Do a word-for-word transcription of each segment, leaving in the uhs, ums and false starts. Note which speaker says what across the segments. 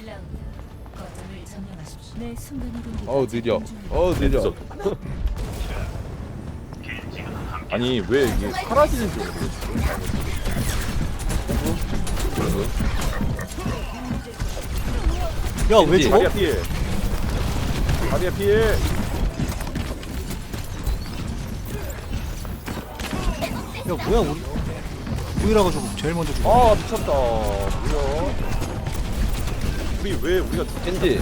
Speaker 1: 내 순간 이동기.
Speaker 2: 어우 느려. 어우 느려.
Speaker 3: 아니 왜 이게 사라지는지 모르겠어.
Speaker 4: 야 왜
Speaker 3: 다리야
Speaker 4: 죽어?
Speaker 3: 피해. 다리야 피해.
Speaker 4: 야 뭐야 우리 우리라가 저거 제일 먼저 죽어.
Speaker 3: 아 미쳤다. 뭐야? 우리 왜 우리가 죽-
Speaker 2: 겐지.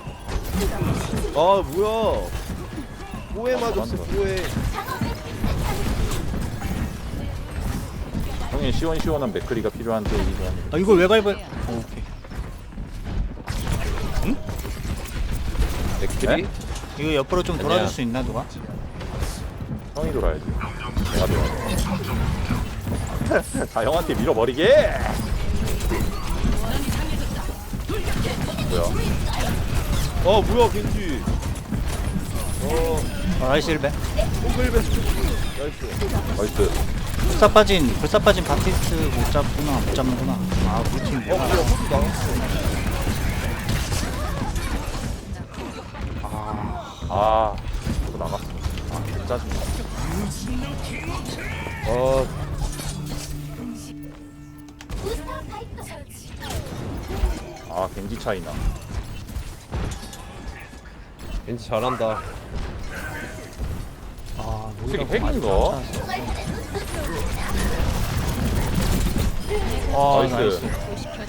Speaker 2: 아 뭐야? 뭐에
Speaker 3: 아,
Speaker 2: 맞았어?
Speaker 3: 맞다.
Speaker 2: 뭐에?
Speaker 3: 형님 시원시원한 맥크리가 필요한데 이거 하는
Speaker 4: 아 이걸 왜 밟아? 어, 오케이.
Speaker 2: 맥크리?
Speaker 3: 네?
Speaker 4: 이거 옆으로 좀 돌아줄
Speaker 2: 아니야.
Speaker 4: 수 있나 누가?
Speaker 3: 형이 돌아야지. 내가 돌아. 다 형한테 밀어버리게. 뭐야?
Speaker 2: 어 뭐야 겐지? 어
Speaker 4: 어, 나이스 일배.
Speaker 2: 홈글베 나이스.
Speaker 3: 나이스.
Speaker 4: 불사 빠진 불사 빠진 바티스트 못 잡구나 못 잡는구나. 아 우리 팀
Speaker 2: 어
Speaker 4: 뭐야?
Speaker 2: 뭐야 호두 나왔어.
Speaker 3: 아, 또 나갔어. 아, 개 짜증나.
Speaker 2: 어
Speaker 3: 아, 겐지 차이나.
Speaker 2: 겐지 잘한다.
Speaker 4: 아
Speaker 3: 솔직히
Speaker 4: 우리라고 많이
Speaker 3: 핵인가?
Speaker 4: 쫓아왔어. 아
Speaker 3: 나이스.
Speaker 4: 나이스.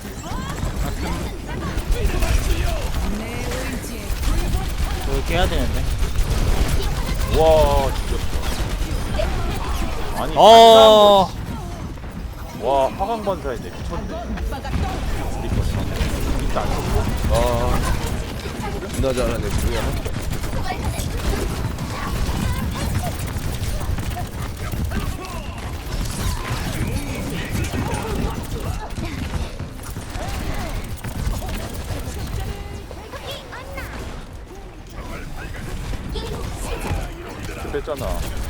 Speaker 4: 이거 깨야 되는데.
Speaker 3: 와, 죽였어. 아니,
Speaker 4: 어.
Speaker 3: 와, 화강반사인데 미쳤네. 우리 거네. 진짜 안 쳤어?
Speaker 2: 아 존나 잘하네 뭐야?
Speaker 3: 뺐잖아.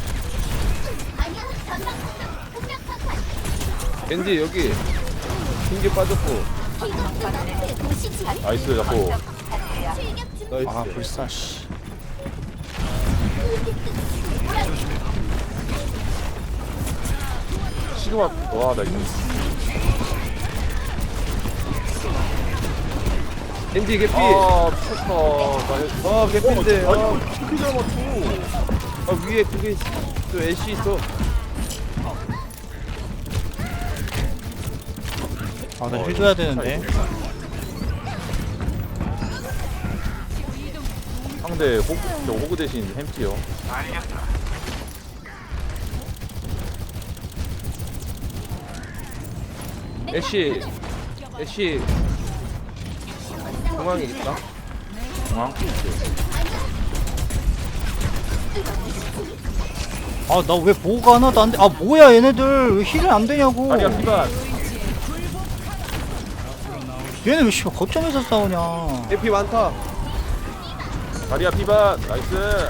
Speaker 2: 겐지 여기. 흰게 빠졌고.
Speaker 3: 나이스, 잡고.
Speaker 2: 나이스.
Speaker 4: 아 불사 씨.
Speaker 3: 시그마, 와, 나이스.
Speaker 2: 겐지 개피.
Speaker 3: 아, 미쳤다. 나
Speaker 2: 아 개피인데.
Speaker 3: 어,
Speaker 2: 아,
Speaker 3: 아니, 어떻게 잘 맞춰?
Speaker 2: 아 위에 그게 또 애쉬 있어.
Speaker 4: 아나
Speaker 3: 어,
Speaker 4: 힐 줘야
Speaker 3: 이거
Speaker 4: 되는데.
Speaker 3: 상대 호구, 저 호구 대신 햄티요.
Speaker 2: 애쉬 애쉬 중앙에 있다.
Speaker 3: 중앙?
Speaker 4: 아 나 왜 보호가 하나도 안 돼? 아 뭐야 얘네들 왜 힐이 안 되냐고.
Speaker 3: 다리야, 피반.
Speaker 4: 얘네 왜 씨발 거점에서 싸우냐.
Speaker 2: 개피 많다.
Speaker 3: 다리야, 피반. 나이스.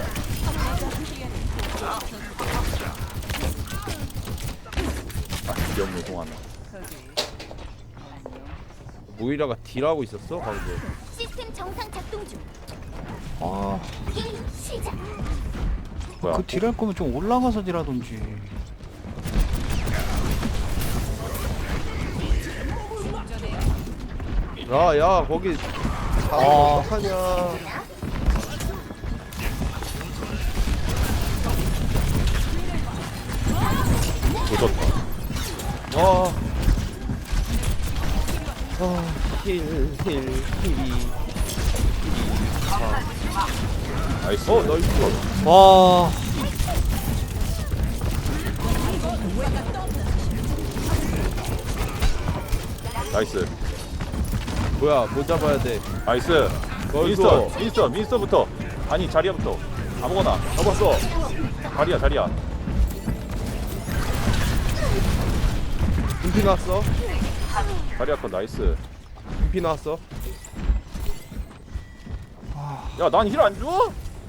Speaker 3: 아, 귀엽네, 동안.
Speaker 2: 모이라가 딜하고 있었어 방금.
Speaker 5: 시스템 정상 작동 중.
Speaker 4: 아,
Speaker 5: 게임 시작.
Speaker 3: 뭐야?
Speaker 4: 그 딜할 거면 좀 올라가서 딜하던지.
Speaker 2: 야야 거기 다
Speaker 4: 아.
Speaker 2: 어떡하냐.
Speaker 3: 조졌다.
Speaker 2: 와. 아, 힐, 힐, 힐이.
Speaker 3: 나이스.
Speaker 2: 어, 나이스.
Speaker 4: 와.
Speaker 3: 나이스.
Speaker 2: 뭐야, 뭐 잡아야 돼?
Speaker 3: 나이스.
Speaker 2: 나이스.
Speaker 3: 민스터, 민스터, 민스터부터. 아니, 자리야부터. 아무거나. 잡았어. 자리야, 자리야.
Speaker 2: 금피 나왔어?
Speaker 3: 자리야 컷 나이스.
Speaker 2: 금피 나왔어?
Speaker 3: 야, 난 힐 안 줘?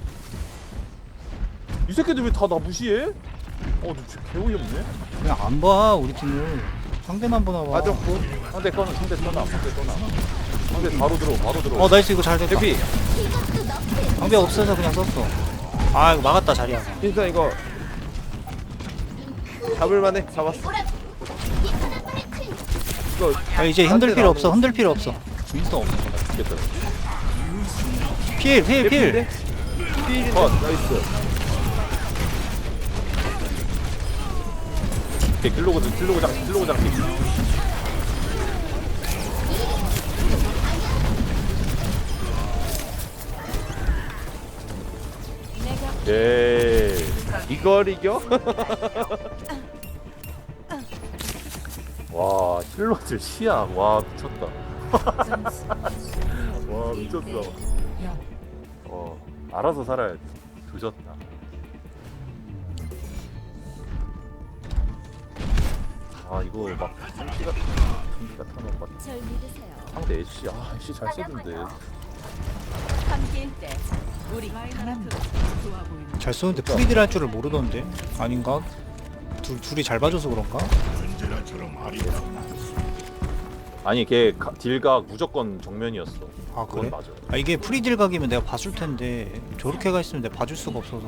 Speaker 3: 이 새끼들 왜 다 나 무시해? 어, 너 진짜 개어이없네.
Speaker 4: 그냥 안 봐 우리 팀을. 상대만 보나 봐.
Speaker 2: 빠졌고.
Speaker 3: 상대 꺼나, 상대 떠나, 상대 떠나. 상대 방패 바로 들어 바로 들어.
Speaker 4: 어 나이스. 이거 잘 됐다.
Speaker 2: 해피.
Speaker 5: 이것도 너프.
Speaker 4: 방벽 없어서 그냥 썼어. 아 이거 막았다 자리야.
Speaker 2: 윈선 이거 잡을만해. 잡았어.
Speaker 5: 오라. 이카나 파레트.
Speaker 2: 이거
Speaker 4: 아 이제 흔들 필요 없어. 흔들 필요 없어. 윈스턴 없어.
Speaker 3: 죽겠다.
Speaker 4: 필 필 필.
Speaker 2: 필인데? 필인데?
Speaker 3: 컷.
Speaker 2: 나이스.
Speaker 3: 오케이 킬로그 킬로그 장 킬로그 장기. 예.
Speaker 2: 이걸 이겨?
Speaker 3: 와 힐러들 시야 와 미쳤다.
Speaker 1: 점수
Speaker 3: 와 미쳤어.
Speaker 1: 영.
Speaker 3: 어 알아서 살아야지. 조졌다. 아 이거 막 상기가 상기가 타는 것 같아.
Speaker 5: 절 믿으세요.
Speaker 3: 상대 애쉬 아 애쉬 잘 쓰던데.
Speaker 1: 함께일 때 우리 강합니다. 좋아 보이는
Speaker 4: 잘 쏘는데 프리딜 할 줄을 모르던데. 아닌가? 둘 둘이 잘 봐줘서 그런가?
Speaker 3: 아니 걔 가- 딜각 무조건 정면이었어.
Speaker 4: 아
Speaker 3: 그건
Speaker 4: 그래?
Speaker 3: 맞아.
Speaker 4: 아 이게 프리딜 각이면 내가 봐줄 텐데 저렇게 가 있으면 내가 봐줄 수가 없어서.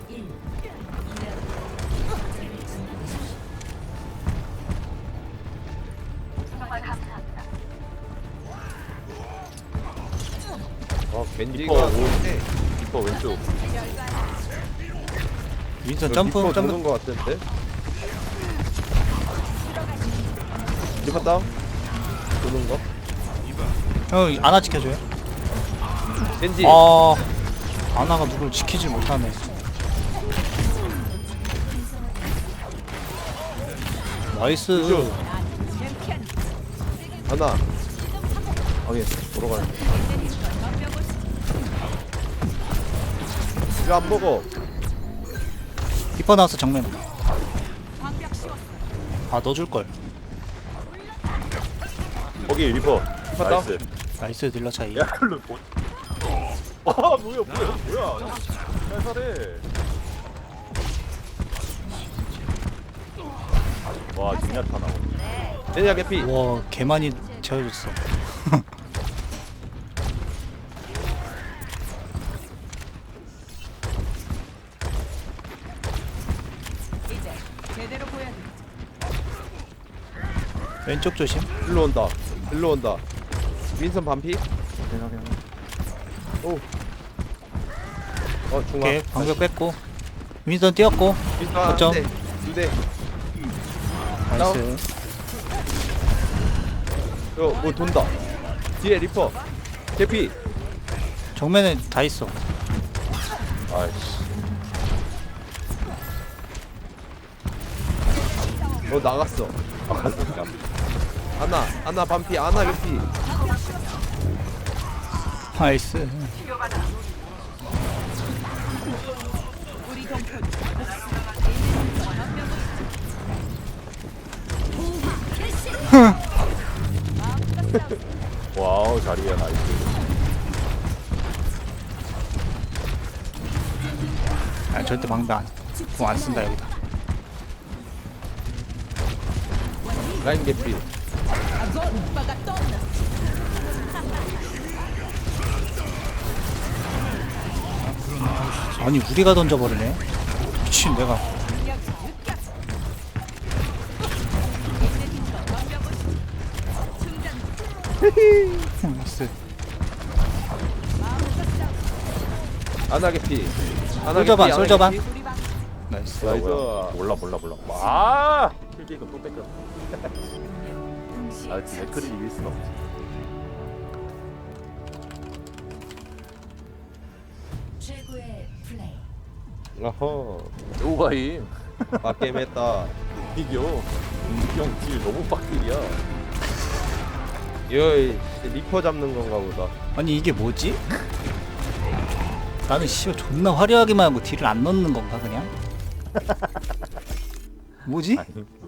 Speaker 2: 어
Speaker 3: 리퍼
Speaker 2: 겐지가
Speaker 3: 오.
Speaker 2: 좋은데
Speaker 3: 리퍼 왼쪽.
Speaker 4: 윈스턴
Speaker 2: 이거
Speaker 4: 점프
Speaker 2: 리퍼
Speaker 4: 점프.
Speaker 2: 도는 거 같은데? 리퍼 다운? 도는 거?
Speaker 4: 형 아나 지켜줘요.
Speaker 2: 겐지!
Speaker 4: 아 아나가 누굴 지키질 못하네. 나이스.
Speaker 2: 굿. 하나
Speaker 3: 확인. 보러 가야 돼.
Speaker 2: 이거 안 먹어.
Speaker 4: 리퍼 나왔어 정면. 아 넣어줄 걸.
Speaker 3: 거기 리퍼.
Speaker 2: 리퍼
Speaker 3: 나이스.
Speaker 4: 나이스 딜러 차이.
Speaker 3: 야 클로 뭐? 아 뭐야 뭐야 뭐야? 잘 살해. 와 징야타 나오.
Speaker 2: 젠야 개피.
Speaker 4: 와 개많이 채워줬어.
Speaker 1: 이제 제대로 보여드리죠.
Speaker 4: 왼쪽 조심.
Speaker 2: 일로 온다. 일로 온다. 윈선 반피. 오. 어 중앙.
Speaker 4: 오케이 방벽 뺐고. 윈스턴 뛰었고.
Speaker 2: 윈선
Speaker 4: 거점.
Speaker 2: 한 대. 두 대.
Speaker 4: 나이스.
Speaker 2: 이거 뭐 돈다. 뒤에 리퍼. 개피.
Speaker 4: 정면에 다 있어.
Speaker 3: 아이씨.
Speaker 2: 어 나갔어.
Speaker 3: 아깝다.
Speaker 2: 하나. 하나 반피. 하나 개피.
Speaker 4: 나이스.
Speaker 1: 우리 동포
Speaker 3: 와우 자리야 나이스.
Speaker 4: 아 절대 방벽 안. 공 안 쓴다 여기다.
Speaker 2: 라인 개피.
Speaker 4: 아니 우리가 던져버리네. 미친 내가. 나이스.
Speaker 2: 하나 개피. 하나
Speaker 4: 솔저반,
Speaker 2: 개피, 하나
Speaker 4: 솔저반.
Speaker 2: 개피.
Speaker 4: 나이스.
Speaker 3: 뭐야,
Speaker 2: 나이스.
Speaker 3: 뭐야. 몰라 몰라 몰라. 아 킬게이크 또 뺏겨. 아 맥크리 이길 순 없지.
Speaker 1: 최고의 플레이.
Speaker 2: 어허.
Speaker 3: 오바임.
Speaker 2: 빡게임 했다.
Speaker 3: 이겨. 형딜 너무 빡딜이야.
Speaker 2: 이거 리퍼 잡는 건가 보다.
Speaker 4: 아니 이게 뭐지? 나는 씨발 존나 화려하게만 하고 딜을 안 넣는 건가 그냥? 뭐지?
Speaker 3: 아니